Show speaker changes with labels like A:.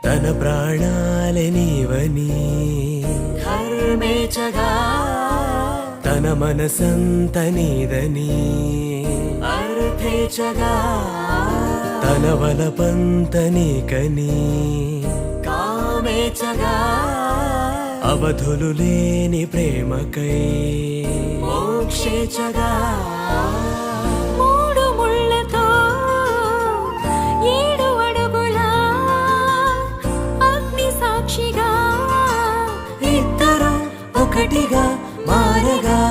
A: తన ప్రాణాలే నీవని
B: ధర్మేచగా
A: తన మనసంత నీదని
B: అర్థేచగా
A: తన వలపంత నీకని
B: కామేచగా
A: అవధులు లేని ప్రేమకై
B: మోక్షేచగా మూడు ముళ్ళతో 7 అడుగుల అగ్ని సాక్షిగా
A: ఇద్దరు ఒకటిగా మారగా